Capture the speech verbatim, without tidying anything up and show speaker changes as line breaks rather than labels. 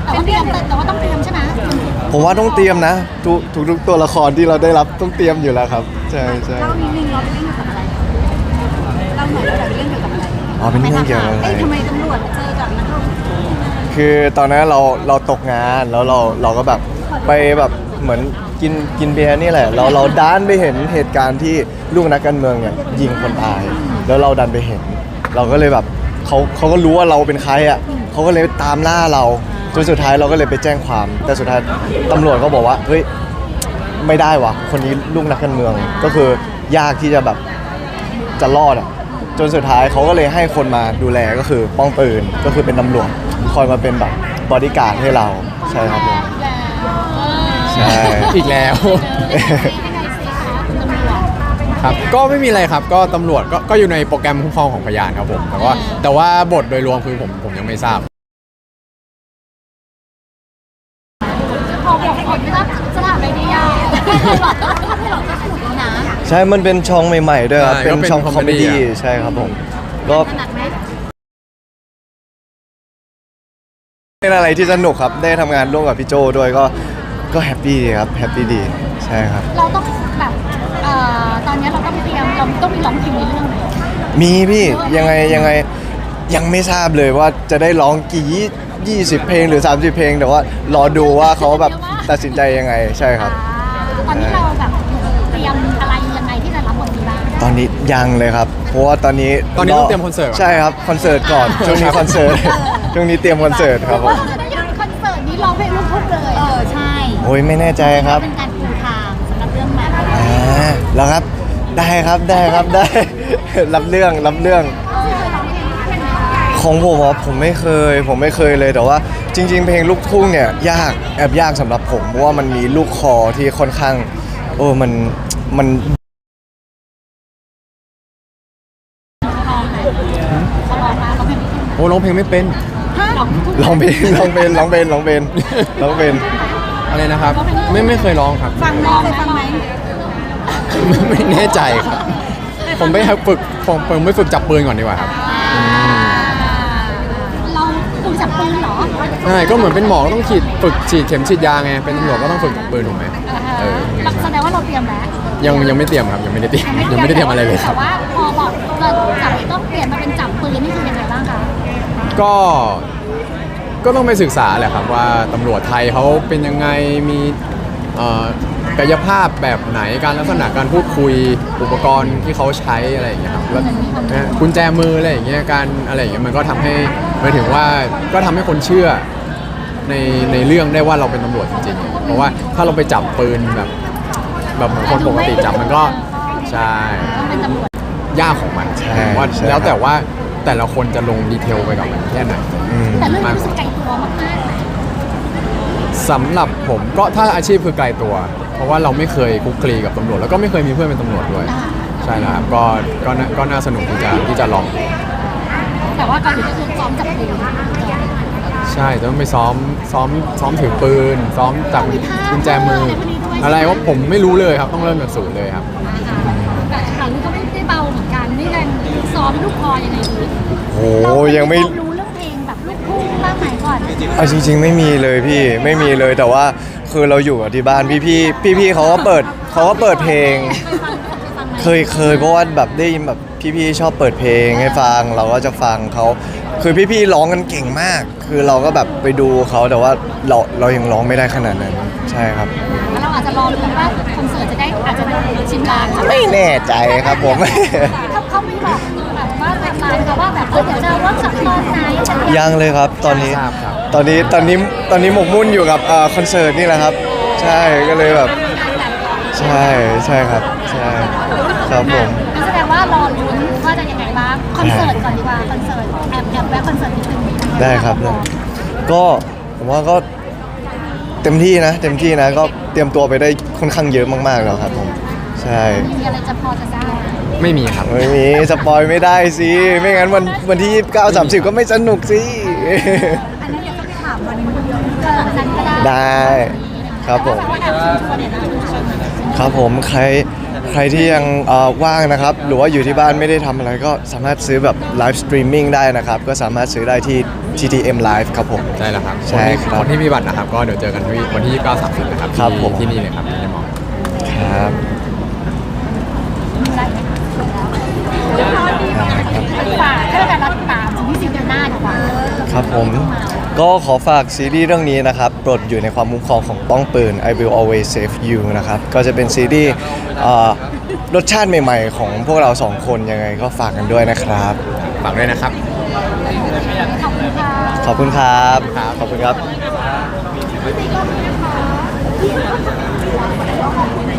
แต่ว่าเตรียมแต่ว่าต้องเตรียมใช่ไหม
ผมว่าต้องเตรียมนะทุกทุกตัวละครที่เราได้รับต้องเตรียมอยู่แล้วครับใช่ใช่
เล่านิดนึงเราไปเล่นเกี่ยวกับอะไรเล่าหน่อยเราไปเล่นเกี่ยวกับอะไร
อ๋อเป็นเรื่องเกี่ยวกับอะไร
ทำไมตำรวจเจอกับนักลงทุน
คือตอนนั้นเราเราตกงานแล้วเราเราก็แบบไปแบบเหมือนกินกินเบียร์นี่แหละเราเราดันไปเห็นเหตุการณ์ที่ลูกนักการเมืองเนี่ยยิงคนตายแล้วเราดันไปเห็น เราก็เลยแบบเขาเขาก็รู้ว่าเราเป็นใครอ่ะเขาก็เลยตามล่าเราจนสุดท้ายเราก็เลยไปแจ้งความ แต่สุดท้ายตำรวจก็บอกว่าเฮ้ยไม่ได้วะคนนี้ลูกนักการเมืองก็คือยากที่จะแบบจะรอดอ่ะจนสุดท้ายเขาก็เลยให้คนมาดูแลก็คือป้องปืนก็คือเป็นตำรวจคอยมาเป็นแบบบอดี้การ์ดให้เราใช่ครับผมใช่
อีกแล้วครับก็ไม่มีอะไรครับก็ตำรวจก็ก็อยู่ในโปรแกรมคุ้มครองของพยานครับผมแต่ว่าแต่ว่าบทโดยรวมคือผมผมยังไม่ทราบ
พอบอกคนไม่รับจะถามอะไรดีอ่ะให้หลอดก็ให้หลอดก็สนุกนะ
ใช่มันเป็นช่องใหม่ๆด้วยครับเป็นช่องคอมเมดี้ใช่ครับผมก็เป็นอะไรที่สนุกครับได้ทำงานร่วมกับพี่โจด้วยก็ก็แฮปปี้ดีครับแฮปปี้ดีใช่ครับ
เราต้องแบบเอ่อตอนนี้เราต้องเตรียมเราต้องมีร้องเพลงในเรื่องไหม
มีพี่ยังไงยังไงยังไม่ทราบเลยว่าจะได้ร้องกี่ยี่สิบเพลงหรือสามสิบเพลงแต่ว่ารอดูว่าเขาแบบตัดสินใจยังไงใช่ครับ
ตอนนี้เราแบบเตรียมอะไรยังไงที่จะรับบทนี้บ้าง
ตอนนี้ยังเลยครับเพราะว่าตอนนี้
ตอนนี้ต้องเตรียมคอนเสิร์ต
ใช่ครับคอนเสิร์ตก่อนช่วงนี้คอนเสิร์ตช่วงนี้เตรียมคอนเสิร์ตครับผม
จะได้คอนเสิร์ตนี้ร้องเพลงลูกทุ่งเลยเออใช่
โอ้ยไม่แน่ใจครับ
เป็นการปูทางสำหรับเรื่องใหม่
อ่าแล้วครับได้ครับได้ครับได้รับเรื่องรับเรื่องของผมอ่ะผมไม่เคยผมไม่เคยเลยแต่ว่าจริงๆเพลงลูกทุ่งเนี่ยยากแอบยากสำหรับผมเพราะว่ามันมีลูกคอที่ค่อนข้างโอ้มันมัน
โอ้ร้องเพลงไม่เป็น
ร้องเพลงร้องเพลงร้องเพลงร้องเพลงร้องเพลง
อะไรนะครับไม่ไม่เคยร้องครับ
ฟังร้องเคยฟังไหม
ไม่แน่ใจครับผมไปฝึกผมผมไม่ฝึกจับปืนก่อนดีกว่าครับ
เราฝึกจับปืนเหรอ
ใช่ก็เหมือนเป็นหมอก็ต้องฉีดฝึกฉีดเข็มฉีดยาไงเป็นตำรวจก็ต้องฝึกจับปืนถูกไหม
เออแสดงว่าเราเตรียมแล้ว
ยังยังไม่เตรียมครับยังไม่ได้เตรียมยังไม่ได้เตรียมอะไรเลยครับ
แต่ว่าพอบอกเราจับต้องเปลี่ยนมาเป็นจับปืนนี่คือยังไงบ้างคะ
ก็ก็ต้องไปศึกษาแหละครับว่าตำรวจไทยเขาเป็นยังไงมีกายภาพแบบไหนการลักษณะการพูดคุยอุปกรณ์ที่เขาใช้อะไรอย่างเงี้ยครับแล้วกุญแจมืออะไรอย่างเงี้ยการอะไรอย่างเงี้ยมันก็ทำให้หมายถึงว่าก็ทำให้คนเชื่อในในเรื่องได้ว่าเราเป็นตำรวจจริงๆเพราะว่าถ้าเราไปจับปืนแบบแบบเหมือนคนปกติจับมันก็ใช่ยากของมันว่าแล้วแต่ว่าแต่ละคนจะลงดีเทลไปกับมันแค่ไหน
แต่เรื่องนี้รู้สึกไกลตัวมาก
ๆสำหรับผมก็ถ้าอาชีพคือไกลตัวเพราะว่าเราไม่เคยคุกคลีกับตำรวจแล้วก็ไม่เคยมีเพื่อนเป็นตำรวจด้วยใช่แล้วครับก็ก็ก็น่าสนุกที่จะที่จะลอง
แต่ว่าก่อนอื่นก็คือซ้อมจับปืน
ใช่ต้องไปซ้อมซ้อมซ้อมถือปืนซ้อมจับกุญแจมืออะไรว่าผมไม่รู้เลยครับต้องเริ่มจากศูนย์เลยครับ
แต่ครั้งนี้ก็ไม่ได้เบาเหมือนกันนี่กันซ้อมลูกคอยังไงดี
โอ้ยังไม่
รู้เรื่องเพลงแบบลูกทุ่งบ้างไหมก่อน
อ่ะจริงๆไม่มีเลยพี่ไม่มีเลยแต่ว่าคือเราอยู่กับที่บ้านพี่พี่พี่พี่เขาก็เปิดเขาก็เปิดเพลงเคยเคยเพราะว่าแบบได้ยินแบบพี่พี่ชอบเปิดเพลงให้ฟังเราก็จะฟังเขาคือพี่พี่ร้องกันเก่งมากคือเราก็แบบไปดูเขาแต่ว่าเราเรายังร้องไม่ได้ขนาดนั้นใช่ครับ
เราอาจจะรอดูว่าคอนเสิร์ตจะได้อาจจะชิมลาง
ไม่แน่ใจครับผม
เขาไม่บอกแบบว่าไทม์ไลน์เขาว่าแบบเดี๋ยวจะว่าสักตอนไหน
ยังเลยครับตอนนี้ตอนนี้ตอนนี้ตอนนี้หมกมุ่นอยู่กับคอนเสิร์ตนี่แหละครับใช่ก็เลยแบบใช่ใช่ครับใช่ครับผม
แสดงว่ารอลุ้นว่าจะยังไงบ้างคอนเสิร์ตก่อนดีกว่าคอนเสิร์ตแอบแอบแวะคอนเสิร์ตนิดนึง
ได้ครับได้ก็ผมว่าก็เต็มที่นะเต็มที่นะก็เตรียมตัวไปได้ค่อนข้างเยอะมากๆแล้วครับผมใช่
มีอะไรจะพอจะได้
ไม่มีครับ
ไม่มีสปอยไม่ได้สิไม่งั้นวันวันที่ยี่สิบเก้า สามสิบก็ไม่สนุกสิ
อันนั้นเดี๋ยวต้องไปถามวันนั้นก็ได้
ได้ครับผมครับผมใครใครที่ยังเอ่อว่างนะครับ หรือว่าอยู่ที่บ้านไม่ได้ทำอะไรก็สามารถซื้อแบบไลฟ์สตรีมมิ่งได้นะครับ ก็สามารถซื้อได้ที่ ที ที เอ็ม Live ครับผม
ใช่แล้วครับ
ใช่ครับ
คนที่มีบัตรนะครับ ก็เดี๋ยวเจอกันที่วันที่ยี่สิบเก้า สามสิบนะครับ
ครับ
ที่
ผม
ที่นี่เลยครับที่ในมอ
ครับ
ฝากให้แฟนๆติดตามที่ซีซั่นหน้าดีกว่า
ครับผมก็ขอฝากซีรีส์เรื่องนี้นะครับปลดอยู่ในความคุ้มครองของป้องปืน I will always save you นะครับก็จะเป็นซีรีส์เอ่อรสชาติใหม่ๆ ของพวกเราสองคนยังไงก็ฝากกันด้วยนะครับ
ฝากด้วยนะครับ
ขอบคุณค่ะ
ขอบคุณครับ ขอบคุณครับ
พี่ซีก็มีนะคะ